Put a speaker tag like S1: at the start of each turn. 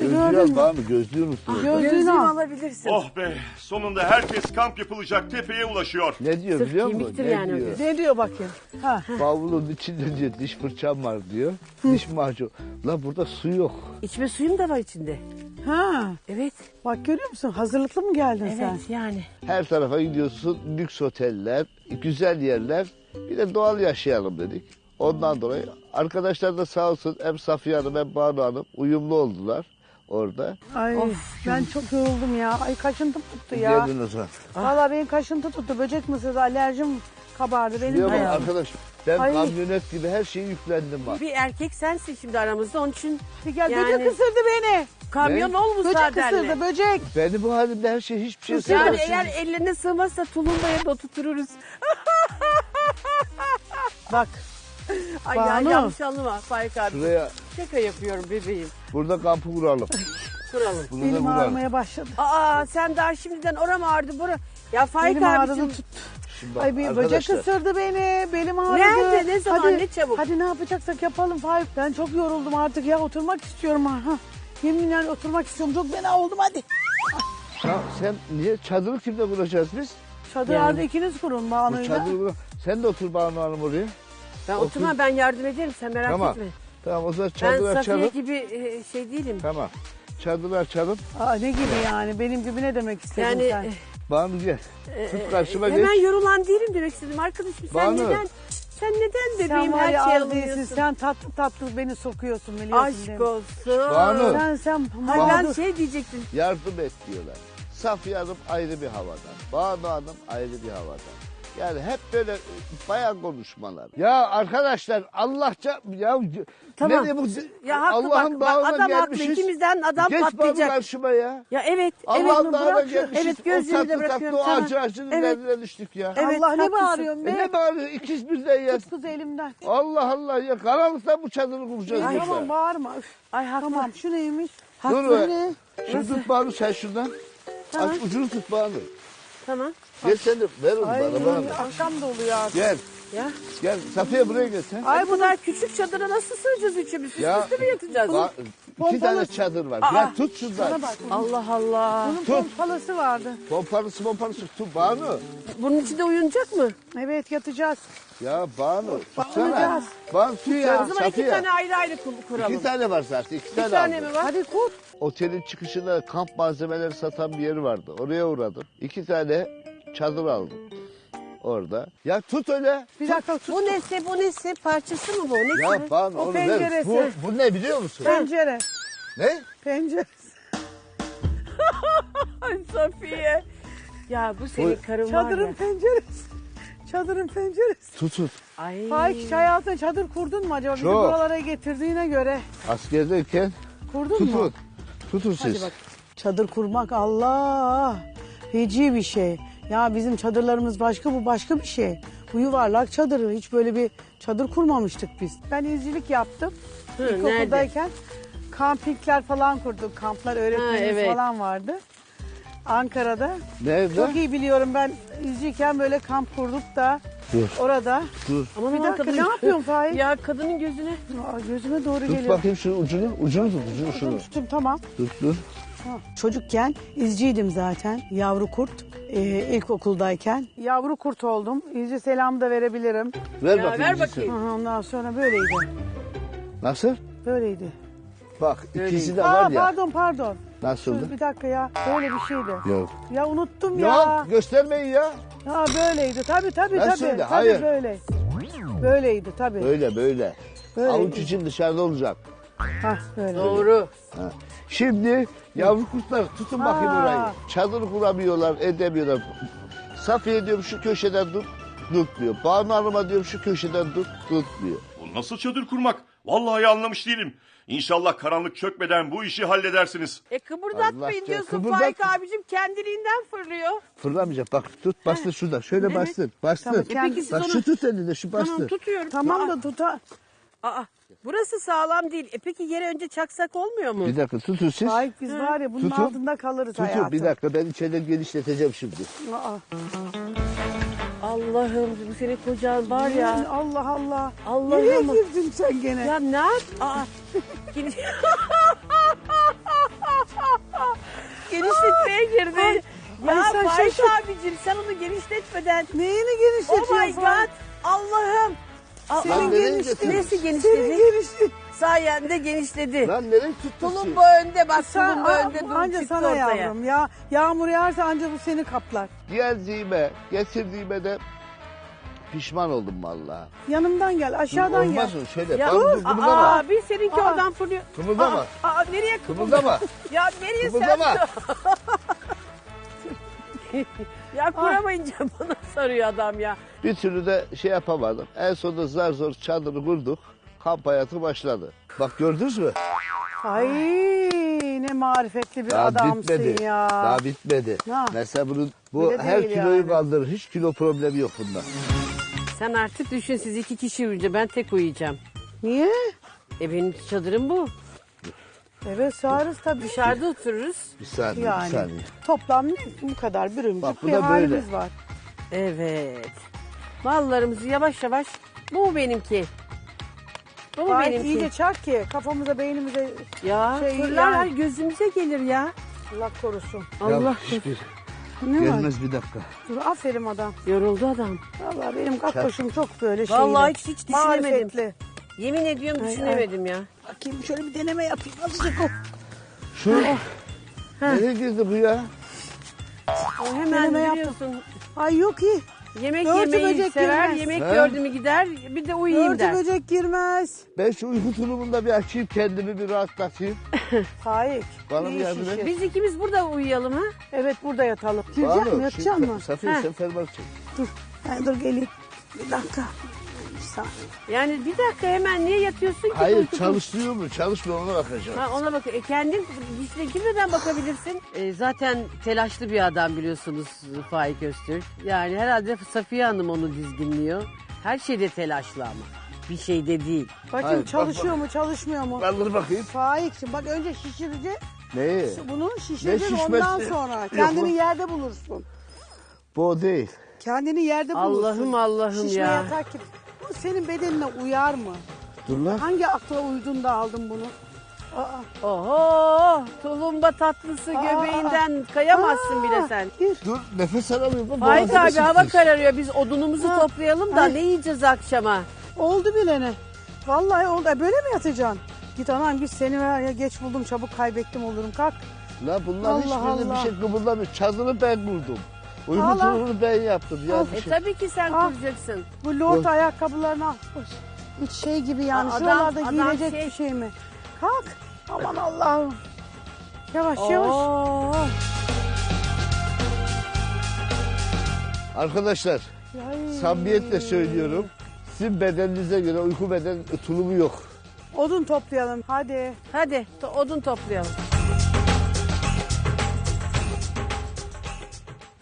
S1: Gözlüğü
S2: gördün
S1: al
S2: mü?
S1: bana, gözlüğü unuttum.
S2: Gözlüğünü al.
S3: alabilirsin.
S4: Oh be, sonunda herkes kamp yapılacak tepeye ulaşıyor.
S1: Ne diyor
S3: Sırf
S1: biliyor musun?
S3: kemiktir
S1: Ne
S3: yani o
S1: diyor?
S3: göz.
S2: Ne diyor bakayım? Ha.
S1: Bavulun içinde diyor diş fırçam var diyor. Diş macunu. La burada su yok.
S3: İçme suyum da var içinde.
S2: Ha.
S3: Evet.
S2: Bak görüyor musun? Hazırlıklı mı geldin sen?
S3: Evet yani.
S1: Her tarafa gidiyorsun. Lüks oteller, güzel yerler. Bir de doğal yaşayalım dedik. Ondan dolayı arkadaşlar da sağ olsun hem Safiye Hanım hem Banu Hanım uyumlu oldular orada.
S2: Ay ben çok yoruldum ya. Ay kaşıntım tuttu ya.
S1: Geldin o zaman.
S2: Valla benim kaşıntı tuttu. Böcek mısırdı, alerjim kabardı benim
S1: Biliyor musun
S2: de.
S1: arkadaş ben
S2: Ay.
S1: kamyonet gibi her şeyi yüklendim bak.
S3: Bir erkek sensin şimdi aramızda onun için
S2: Hadi gel
S3: yani-
S2: böcek ısırdı beni.
S3: kamyon
S1: Ne?
S3: ol
S2: Böcek
S3: müsaadenle.
S2: ısırdı böcek.
S1: Beni bu halimde her şey hiçbir şey
S3: Yani
S1: sevmez.
S3: eğer ellerine sığmazsa tulumbaya da oturtururuz.
S2: Bak
S3: Ay
S2: Banu.
S3: yanlış anlama Faik abi.
S1: Şuraya
S3: Şaka yapıyorum bebeğim.
S1: burada kampı kuralım.
S3: Kuralım.
S1: Bunu da
S2: benim
S1: kuralım.
S2: ağrımaya başladı.
S3: Aa sen daha şimdiden oram ağrıdı bura. Ya Faik
S2: Benim ağrıdı
S3: abicim.
S2: tuttu.
S1: Şimdi bak,
S2: Ay bir böcek
S1: arkadaşlar,
S2: ısırdı beni. Belim ağrıdı.
S3: Nerede? Ne zaman?
S2: Hadi,
S3: Ne çabuk?
S2: Hadi ne yapacaksak yapalım Faik. Ben çok yoruldum artık ya. Oturmak istiyorum ha. Yeminle oturmak istiyorum. Çok fena oldum hadi.
S1: Ya sen niye çadırı kimle kuracağız biz?
S2: Çadırlarda ikiniz kurun
S1: Bu
S2: Banu'yla.
S1: çadırı sen de otur Banu Hanım oraya.
S3: Ben oturma ben yardım ederim sen merak
S1: Tamam.
S3: etme.
S1: Tamam o zaman
S3: Ben
S1: çadırı
S3: Safiye
S1: açalım.
S3: gibi şey değilim.
S1: Tamam. Çadırı açalım.
S2: Aa, ne gibi yani? Benim gibi ne demek istedin
S3: Yani
S2: sen?
S1: Banu gel. Tut karşıma geç.
S3: hemen yorulan değilim demek istedim arkadaşım. Sen
S1: Banu.
S3: neden
S2: Sen
S3: bebeğim
S2: var
S3: her
S2: ya
S3: şeyi
S2: az değilsin.
S3: alıyorsun?
S2: Sen tatlı tatlı beni sokuyorsun biliyorsun değil
S3: Aşk
S2: mi?
S3: olsun.
S1: Banu.
S2: Sen
S3: Hayır ben
S2: mağdur.
S3: şey diyecektim.
S1: Yardım et diyorlar. Safiye Hanım ayrı bir havadan. Banu Hanım ayrı bir havadan. Yani hep böyle bayan konuşmalar. Ya arkadaşlar Allahça ya
S3: Tamam.
S1: nereye bu
S3: Ya haklı
S1: Allah'ın
S3: bak
S1: dağına
S3: adam haklı.
S1: gelmişiz.
S3: İkimizden adam
S1: Geç Banu
S3: patlayacak.
S1: karşıma ya.
S3: Ya evet.
S1: Allah'ın
S3: evet,
S1: dağına
S3: bırak şu-
S1: gelmişiz.
S3: Evet
S1: o
S3: gözlüğümü de
S1: tatlı tatlı
S3: bırakıyorum.
S1: o
S3: Tamam.
S1: acı acının
S3: Evet.
S1: derdine düştük ya.
S3: Evet,
S2: Allah ne
S3: haklısın.
S2: bağırıyorsun be?
S1: Ne bağırıyor ikiz birden ya.
S2: Tut kız elimden.
S1: Allah Allah ya karanlıkta bu çadırı kuracağız
S2: Ay,
S1: burada.
S2: tamam bağırma. Üf.
S3: Ay haklı.
S2: Tamam şu neymiş?
S1: Dur
S2: Bu
S1: be.
S2: ne?
S1: Şunu tut Banu sen şuradan.
S3: Tamam.
S1: Aç ucunu tut Banu.
S3: Tamam.
S1: Gel sen de ver onu
S2: Ay
S1: bana.
S2: akşam da oluyor artık.
S1: Gel.
S3: Ya.
S1: Gel Safiye buraya gel sen.
S3: Ay bu kadar küçük çadıra nasıl sığacağız üçümüz? Üst
S1: Ya,
S3: üste mi yatacağız?
S1: İki tane çadır var. Gel tut şundan.
S2: Bana bak.
S3: Allah Allah.
S2: Bunun pompalısı vardı.
S1: Pompalısı tut Banu.
S3: Bunun içinde uyunacak mı?
S2: Evet yatacağız.
S1: Ya Banu tutsana.
S2: Bakacağız.
S1: Banu tut ya.
S3: O zaman iki
S1: Safiye.
S3: tane ayrı ayrı kuralım.
S1: İki tane var zaten. İki tane,
S3: tane
S1: aldım.
S3: mi var?
S2: Hadi kur.
S1: Otelin çıkışında kamp malzemeleri satan bir yeri vardı. Oraya uğradım. İki tane çadır aldım. Orada. Ya tut öyle.
S2: Bir dakika tut.
S3: Bu nesi? Parçası mı bu? Ne
S1: Ya
S3: ki?
S1: Banu
S2: O
S1: onu ver.
S2: penceresi.
S1: Bu ne biliyor musun?
S2: Pencere.
S1: Ne?
S2: Pencere.
S3: Ay Safiye. Ya bu senin karın var
S2: Çadırın
S3: ya.
S2: penceresi. Çadırın penceresi.
S1: Tut.
S3: Ay.
S2: Faik hiç hayatında çadır kurdun mu acaba? Bizi
S1: Çok.
S2: buralara getirdiğine göre.
S1: Askerdeyken
S2: Kurdun mu?
S1: tutun. Tutun
S2: Hadi
S1: siz.
S2: bak. Çadır kurmak Allah. Feci bir şey. Ya bizim çadırlarımız başka, bu başka bir şey. Bu yuvarlak çadırı. Hiç böyle bir çadır kurmamıştık biz. Ben izcilik yaptım.
S3: Hı,
S2: İlkokuldayken kampikler falan kurduk. Kamplar öğretmenimiz
S3: evet.
S2: falan vardı. Ankara'da.
S1: Nerede?
S2: Çok iyi biliyorum, ben izciyken böyle kamp kurduk da
S1: Dur.
S2: orada.
S1: Dur.
S3: Aman
S2: Bir
S3: aman
S2: dakika,
S3: kadın.
S2: ne yapıyorsun Faik?
S3: Ya kadının gözüne.
S2: Aa, gözüme doğru
S1: Tut
S2: geliyor.
S1: bakayım şu ucunu. Ucunu tut. Şunu.
S2: Tuttum tamam.
S1: Dur.
S2: Çocukken izciydim zaten. Yavru kurt. İlkokuldayken. Yavru kurt oldum. İzci selam da verebilirim.
S1: Ver
S3: Ya,
S1: bakayım.
S3: ver
S1: bizi
S3: bakayım.
S1: sen.
S2: Ondan sonra böyleydi.
S1: Nasıl?
S2: Böyleydi.
S1: Bak ikisi de
S2: Aa,
S1: var ya.
S2: pardon.
S1: Nasıldı?
S2: Dur bir dakika ya. Böyle bir şeydi.
S1: Yok.
S2: Ya unuttum ya.
S1: Ya göstermeyin ya.
S2: Ha böyleydi. Tabii.
S1: Nasıldı?
S2: Tabii
S1: Hayır.
S2: böyle. Böyleydi tabii.
S1: Böyle.
S2: Böyle.
S1: Avuç için dışarıda olacak.
S2: Hah böyle.
S3: Doğru.
S1: Ha. Şimdi yavru kurtlar tutun bakayım
S2: Ha.
S1: orayı. Çadır kuramıyorlar, edemiyorlar. Safiye diyorum şu köşeden tut, tutmuyor. Banu Hanım'a diyorum şu köşeden tut, tutmuyor.
S4: Bu nasıl çadır kurmak? Vallahi anlamış değilim. İnşallah karanlık çökmeden bu işi halledersiniz.
S3: Kıpırdatmayın
S1: Allah
S3: diyorsun
S1: kıpırdat-
S3: Faik abicim kendiliğinden fırlıyor.
S1: Fırlamayacak. Bak tut bastır şuradan. Şöyle bastır. Bastır.
S2: Tamam, peki
S3: siz
S1: Bak
S3: onu-
S1: şu tut elinde şu bastır.
S3: Tamam tutuyorum.
S2: Tamam da tuta.
S3: Aa, burası sağlam değil. Peki yere önce çaksak olmuyor mu?
S1: Bir dakika tutun siz.
S2: Faik biz var ya bunun
S1: Tutun.
S2: altında kalırız
S1: Tutun
S2: hayatım.
S1: bir dakika ben içeriden genişleteceğim şimdi.
S2: Aa,
S3: Allah'ım bu senin kocan var ya.
S2: Allah Allah.
S3: Allah'ım.
S2: Nereye girdin sen gene?
S3: Ya ne yap? Aa. Faik
S2: şaşır.
S3: abicim sen onu genişletmeden.
S2: Neyini
S3: Oh
S2: genişletiyorsun?
S3: my god. Allah'ım.
S2: Senin
S1: Lan nereye
S2: genişti.
S1: getirdin?
S3: Nesi
S2: Senin
S3: genişledi?
S2: genişti.
S3: Sayende genişledi.
S1: Lan nereye tuttun?
S3: Tulumba önde bak, tulumba önde
S2: Anca
S3: çıktı
S2: sana
S3: ortaya.
S2: yavrum ya. Yağmur yağarsa anca bu seni kaplar.
S1: Geldiğime, getirdiğime de pişman oldum vallahi.
S2: Yanımdan gel, aşağıdan gel.
S1: Olmaz mı? Şöyle.
S3: Ya,
S1: Dur, kımıldama.
S3: abi seninki
S2: Aa.
S3: oradan fırlıyor.
S1: Kımıldama.
S3: Aa, nereye
S1: Kımıldama.
S3: Ya nereye
S1: Kımıldama.
S3: sen? Ya kuramayınca bana sarıyor adam ya.
S1: Bir türlü de şey yapamadım. En sonunda zar zor çadırı kurduk. Kamp hayatı başladı. Bak gördünüz mü?
S2: Ay ne marifetli bir
S1: Daha
S2: adamsın
S1: bitmedi.
S2: ya.
S1: Daha bitmedi.
S2: Ha.
S1: Mesela bu
S2: Öyle
S1: her
S2: değil
S1: kiloyu
S2: yani.
S1: kaldırır. Hiç kilo problemi yok bunda.
S3: Sen artık düşün, siz 2 kişi uyuyunca ben tek uyuyacağım.
S2: Niye?
S3: Benim çadırım bu.
S2: Evet sığarız tabii.
S3: Dışarıda otururuz.
S1: Bir saniye,
S2: Yani
S1: bir saniye.
S2: toplam bu kadar
S1: Bak,
S2: bürümcük
S1: bu
S2: bir
S1: da böyle.
S2: halimiz var.
S3: Evet. Mallarımızı yavaş yavaş. Bu mu benimki? Bu mu
S2: Gayet
S3: benimki?
S2: iyice çak ki kafamıza beynimize
S3: Ya
S2: şey
S3: fırlar
S2: yani-
S3: gözümüze gelir ya.
S2: Allah korusun.
S3: Allah.
S1: Ya, hiçbir
S2: Ne var?
S1: gelmez bir dakika.
S2: Dur aferin adam.
S3: Yoruldu adam.
S2: Vallahi benim kakkoşum çok böyle şeyli.
S3: Vallahi hiç düşünemedim.
S2: Marifetli.
S3: Yemin ediyorum
S2: Ay,
S3: düşünemedim ya.
S2: Bakayım şöyle bir deneme yapayım. Azıcık o.
S1: Şu nereye girdi bu ya?
S3: O hemen
S2: Deneme yaptım.
S3: biliyorsun.
S2: Ay yok iyi.
S3: Yemek
S2: Börtü
S3: yemeyi
S2: böcek
S3: sever.
S2: girmez.
S3: Yemek
S1: He?
S3: gördü mü gider. Bir de uyuyayım
S2: Örtü
S3: der.
S2: böcek girmez.
S1: Ben şu uyku tulumunda bir açayım kendimi bir rahatlatayım.
S2: Faik.
S1: Bana
S2: iyi
S1: bir yardım
S2: şişir.
S1: et.
S3: Biz ikimiz burada uyuyalım ha.
S2: Evet burada yatalım. Girecek mi? Yatacak mı?
S1: Safiye
S3: Heh.
S1: sen fermuar çek.
S2: Dur. Ben dur geleyim. Bir dakika. Bir saniye.
S3: Yani bir dakika hemen niye yatıyorsun ki?
S1: Hayır
S3: Uyku-
S1: çalıştırıyor mu? Çalışmıyor ona bakacağım.
S3: Ha, ona bak. Kendin işte girmeden bakabilirsin. Zaten telaşlı bir adam biliyorsunuz Faik Öztürk. Yani herhalde Safiye Hanım onu dizginliyor. Her şeyde telaşlı ama. Bir şeyde değil.
S2: Bakayım
S1: Hayır, bak,
S2: çalışıyor mu çalışmıyor mu?
S1: Kaldır bakayım.
S2: Faik'cim bak önce şişireceksin.
S1: Neyi?
S2: Bunu
S1: Ne
S2: şişireceksin
S1: şişmesi?
S2: ondan sonra.
S1: Yok,
S2: Kendini
S1: bu-
S2: yerde bulursun.
S1: Bu o değil.
S2: Kendini yerde bulursun.
S3: Allah'ım
S2: Şişme
S3: ya.
S2: yatak gibi. Bu senin bedenine uyar mı?
S1: Dur lan.
S2: Hangi akla uydun da aldın bunu? Aa,
S3: Oho, tulumba tatlısı göbeğinden kayamazsın bile sen.
S2: Gir.
S1: Dur nefes alamıyorum. Bak,
S3: Faik
S1: boğazıma
S3: abi hava
S1: sıktı.
S3: kararıyor. Biz odunumuzu
S2: Ha.
S3: toplayalım da
S2: Ay.
S3: ne yiyeceğiz akşama?
S2: Oldu bilene. Vallahi oldu. Böyle mi yatacaksın? Git anam git seni ver ya geç buldum çabuk kaybettim olurum kalk.
S1: La bunlar
S2: Allah
S1: hiçbirinde bir
S2: Allah.
S1: şey kıpırdamıyor. Çadırı ben kurdum. Uyku
S2: Allah.
S1: tulumunu ben yaptım. Yani
S3: E tabii ki sen
S2: Ah.
S3: kuracaksın.
S2: Bu lord ayakkabılarını al. Hiç şey gibi yani
S3: Adam-
S2: şuralarda
S3: adam
S2: giyilecek
S3: şey-
S2: bir şey mi? Kalk. Aman Allah'ım. Yavaş yavaş.
S3: Oo.
S1: Arkadaşlar
S2: Ay.
S1: samimiyetle söylüyorum. Sizin bedeninize göre uyku beden tulumu yok.
S2: Odun toplayalım hadi.
S3: Hadi odun toplayalım.